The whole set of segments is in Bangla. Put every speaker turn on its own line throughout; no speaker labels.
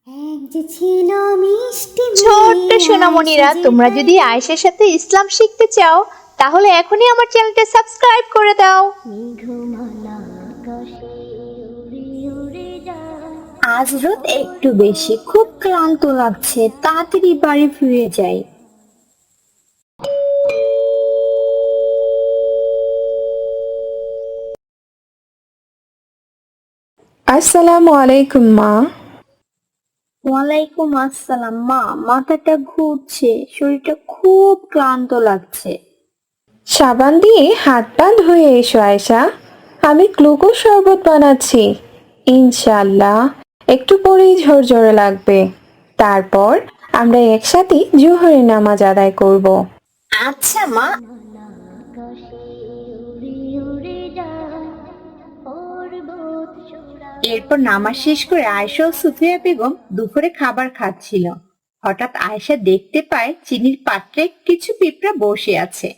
এক যে ছিল মিষ্টি
ছোট্ট
মেয়ে
সোনামণিরা,
আয়েশা
তোমরা
যে
যদি আয়েশার সাথে ইসলাম শিখতে চাও তাহলে এখনই আমার চ্যানেলটা সাবস্ক্রাইব করে দাও।
মেঘমালা আকাশে উড়ে উড়ে যায়।
আজ রাত একটু বেশি, খুব ক্লান্ত লাগছে, তাড়াতাড়ি বাড়ি ফিরে যাই।
আসসালামু আলাইকুম মা।
ওয়ালাইকুম আসসালাম। মা, মাথাটা ঘুরছে, শরীরটা খুব ক্লান্ত লাগছে।
সাবান দিয়ে হাত পা ধুয়ে এসো আয়শা, আমি গ্লুকোজ শরবত বানাচ্ছি। ইনশাআল্লাহ একটু পরেই ঝরঝরে লাগবে। তারপর আমরা একসাথে জোহরের নামাজ আদায় করব।
আচ্ছা মা।
আকাশে উড়ে উড়ে যায় পর্বত চূড়া।
এরপর নামাজ শেষ করে আয়েশা ও সুফিয়া বেগম দুপুরে খাবার খাচ্ছিল। হঠাৎ আয়েশা দেখতে পায় চিনির পাত্রে কিছু পিঁপড়া বসে আছে।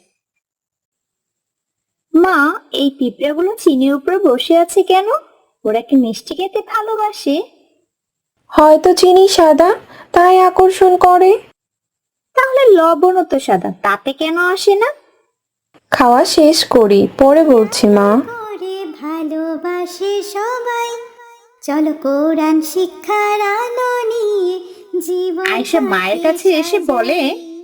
মা, এই পিঁপড়াগুলো চিনির উপরে বসে আছে কেন? ওরা কি মিষ্টি খেতে ভালোবাসে?
হয়তো চিনি সাদা, তাই আকর্ষণ করে।
তাহলে লবণও তো সাদা, তাতে কেন আসে না?
খাওয়া শেষ করি, পরে বলছি মা।
করে ভালোবাসে সবাই, চলো কোরআন শিক্ষার আলো নিয়ে জীবন
আয়েশা মায়ের কাছে এসে বলে,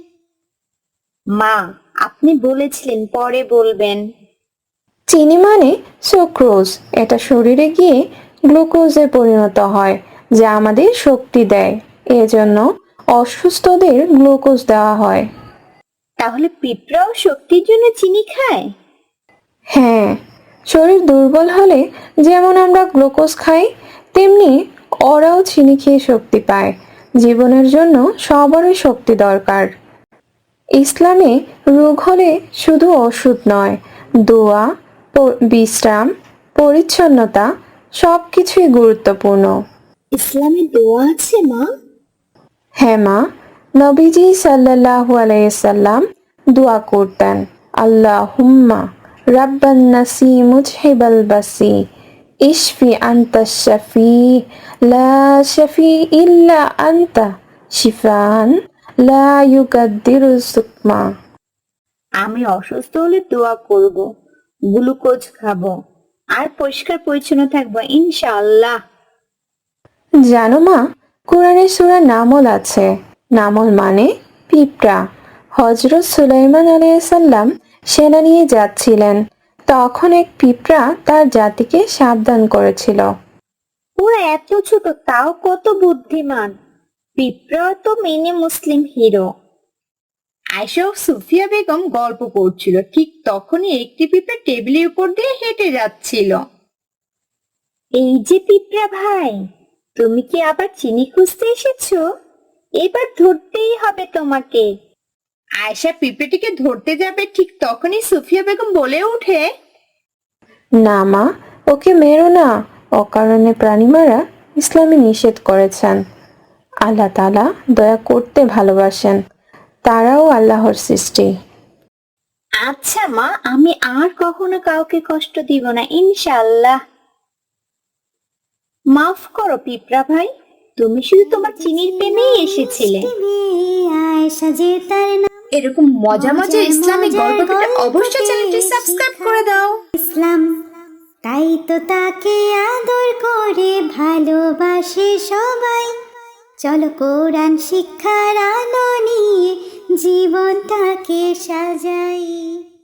মা, আপনি বলেছিলেন পরে বলবেন।
চিনি মানে সুক্রোজ, এটা শরীরে গিয়ে গ্লুকোজে পরিণত হয়, যা আমাদের শক্তি দেয়। এজন্য অসুস্থদের গ্লুকোজ দেওয়া হয়।
তাহলে পিঁপড়াও শক্তির জন্য চিনি খায়?
হ্যাঁ, শরীর দুর্বল হলে যেমন আমরা গ্লুকোজ খাই, তেমনি ওরাও চিনি খেয়ে শক্তি পায়। জীবনের জন্য সবারই শক্তি দরকার। ইসলামে রোগ হলে শুধু ওষুধ নয়, দোয়া, বিশ্রাম, পরিচ্ছন্নতা সবকিছুই গুরুত্বপূর্ণ।
ইসলামে দোয়া আছে মা?
হ্যাঁ মা, নবীজি সাল্লাল্লাহু আলাইহি সাল্লাম দোয়া করতেন, আল্লাহুম্মা রাব্বান নাসি মুজহিবাল বাসি ইশফি আনতা শাফি লা শাফি ইল্লা আনতা শিফান লা ইউগাদ্দিরু সুকমা।
আমি অসুস্থ হলে দোয়া করব, গ্লুকোজ খাবো, আর পরিষ্কার পরিচ্ছন্ন থাকবো ইনশাআল্লাহ।
জানো মা, কোরআনে সূরা নামল আছে। নামল মানে পিঁপড়া। হযরত সুলাইমান আলাইহিস সালাম সেনা নিয়ে যাচ্ছিলেন, তখন এক পিঁপড়া তার জাতিকে সাবধান করেছিল।
ওরা এত ছোট, তাও কত বুদ্ধিমান। পিঁপড়া তো মেনে মুসলিম হিরো। আয়েশা ও সুফিয়া বেগম গল্প করছিল, ঠিক তখনই একটি পিঁপড়া টেবিলের উপর দিয়ে হেঁটে যাচ্ছিল। এই যে পিঁপড়া ভাই, তুমি কি আবার চিনি খুঁজতে এসেছো? এবার ধরতেই হবে তোমাকে। আয়েশা পিঁপড়েটিকে ধরতে যাবে, ঠিক তখনই সুফিয়া বেগম বলে ওঠে,
না মা, ওকে মেরো না। অকারণে প্রাণী মারা ইসলামে নিষেধ করেছেন। আল্লাহ তাআলা দয়া করতে ভালোবাসেন, তারাও আল্লাহর সৃষ্টি।
আচ্ছা মা, আমি আর কখনো কাউকে কষ্ট দিব না ইনশাআল্লাহ। মাফ করো পিঁপড়া ভাই, তুমি শুধু তোমার চিনির প্রেমেই এসেছিলে।
মিষ্টি মেয়ে আয়েশা যে তার নাম।
এরকম মজা মজা ইসলামিক
মজার
গল্প পেতে
গল্প
অবশ্যই চ্যানেলটি
পেয়ে
সাবস্ক্রাইব
শিখা
করে দাও।
ইসলাম, তাই তো তাকে আদর করে ভালোবাসে সবাই। চলো কোরআন শিক্ষার আলো নিয়ে জীবনটাকে সাজাই।